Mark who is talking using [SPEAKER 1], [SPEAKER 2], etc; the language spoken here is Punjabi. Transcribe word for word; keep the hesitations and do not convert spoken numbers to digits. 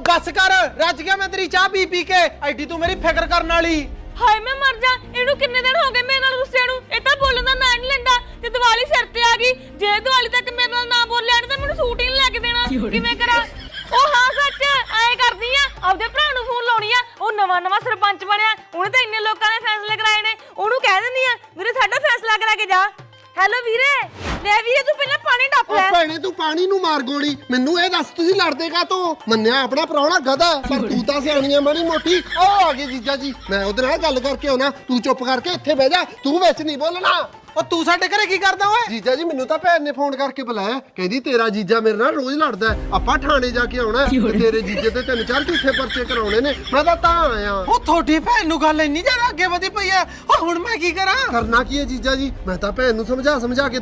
[SPEAKER 1] बस कर रज गया मैं तेरी चाह पी पी के एडी तू मेरी फिक्र करने वाली
[SPEAKER 2] ਹਾਏ ਮੈਂ ਮਰ ਜਾ ਇਹਨੂੰ ਕਿੰਨੇ ਦਿਨ ਹੋ ਗਏ ਮੇਰੇ ਨਾਲ ਰੁੱਸਿਆ ਨੂੰ ਇਹ ਤਾਂ ਬੋਲਣ ਦਾ ਨਾਂ ਨਹੀਂ ਲੈਂਦਾ ਤੇ ਦੀਵਾਲੀ ਸਿਰ ਤੇ ਆ ਗਈ ਜੇ ਦੀਵਾਲੀ ਤੱਕ ਮੇਰੇ ਨਾਲ ਨਾ ਬੋਲਿਆ ਨਹੀਂ ਤਾਂ ਮੈਨੂੰ ਸੂਟ ਹੀ ਨਹੀਂ ਲੈ ਕੇ ਦੇਣਾ ਕਿਵੇਂ ਕਰਾਂ ਉਹ ਹਾਂ ਸੱਚ ਐ ਕਰਦੀ ਆ ਆਪਦੇ ਭਰਾ ਨੂੰ ਫੋਨ ਲਾਉਣੀ ਆ ਉਹ ਨਵਾਂ ਨਵਾਂ ਸਰਪੰਚ ਬਣਿਆ ਉਹਨੇ ਤਾਂ ਇੰਨੇ ਲੋਕਾਂ ਨੇ ਫੈਸਲੇ ਕਰਾਏ ਨੇ ਉਹਨੂੰ ਕਹਿ ਦਿੰਦੀ ਆ ਵੀਰੇ ਸਾਡਾ ਫੈਸਲਾ ਕਰਾ ਕੇ ਜਾ ਹੈਲੋ ਵੀਰੇ ਲੈ ਵੀਰੇ ਤੂੰ ਪਹਿਲਾਂ ਪਾਣੀ ਡੱਪ ਲੈ
[SPEAKER 3] ਓ ਭੈਣੇ ਤੂੰ ਪਾਣੀ ਨੂੰ ਮਾਰ ਗੋਲੀ ਮੈਨੂੰ ਇਹ ਦੱਸ ਤੁਸੀਂ ਲੜਦੇ ਕਾ ਤੋ ਮੰਨਿਆ ਆਪਣਾ ਪ੍ਰਾਹੁਣਾ ਗਧਾ ਪਰ ਤੂੰ ਤਾਂ ਸਿਆਣੀ ਆ ਮਾੜੀ ਮੋਟੀ ਉਹ ਆ ਗਏ ਜੀਜਾ ਜੀ ਮੈਂ ਉਹਦੇ ਨਾਲ ਗੱਲ ਕਰਕੇ ਆਉਣਾ ਤੂੰ ਚੁੱਪ ਕਰਕੇ ਇੱਥੇ ਬਹਿ ਜਾ ਤੂੰ ਵਿੱਚ ਨਹੀਂ ਬੋਲਣਾ
[SPEAKER 1] ਉਹ ਤੂੰ ਸਾਡੇ ਘਰੇ ਕੀ ਕਰਦਾ ਓਏ
[SPEAKER 3] ਜੀਜਾ ਜੀ ਮੈਨੂੰ ਤਾਂ ਭੈਣ ਨੇ ਫੋਨ ਕਰਕੇ ਬੁਲਾਇਆ ਕਹਿੰਦੀ ਤੇਰਾ ਜੀਜਾ ਮੇਰੇ ਨਾਲ ਰੋਜ਼ ਲੜਦਾ ਆਪਾਂ ਥਾਣੇ ਜਾ ਕੇ ਆਉਣਾ ਤੇ ਤੇਰੇ ਜੀਜੇ ਤੇ ਤਿੰਨ ਚਾਰ ਝੂਠੇ ਪਰਚੇ ਕਰਾਉਣੇ ਨੇ ਮੈਂ ਤਾਂ ਤਾਂ ਆਇਆ
[SPEAKER 1] ਉਹ ਤੁਹਾਡੀ ਭੈਣ ਨੂੰ ਗੱਲ ਇੰਨੀ ਜ਼ਿਆਦਾ ਅੱਗੇ ਵਧੀ ਪਈ ਆ ਉਹ ਹੁਣ ਮੈਂ ਕੀ ਕਰਾਂ
[SPEAKER 3] ਕਰਨਾ ਕੀ ਹੈ ਜੀਜਾ ਜੀ ਮੈਂ ਤਾਂ ਭੈਣ ਨੂੰ ਸਮਝਾ ਸਮਝਾ ਕੇ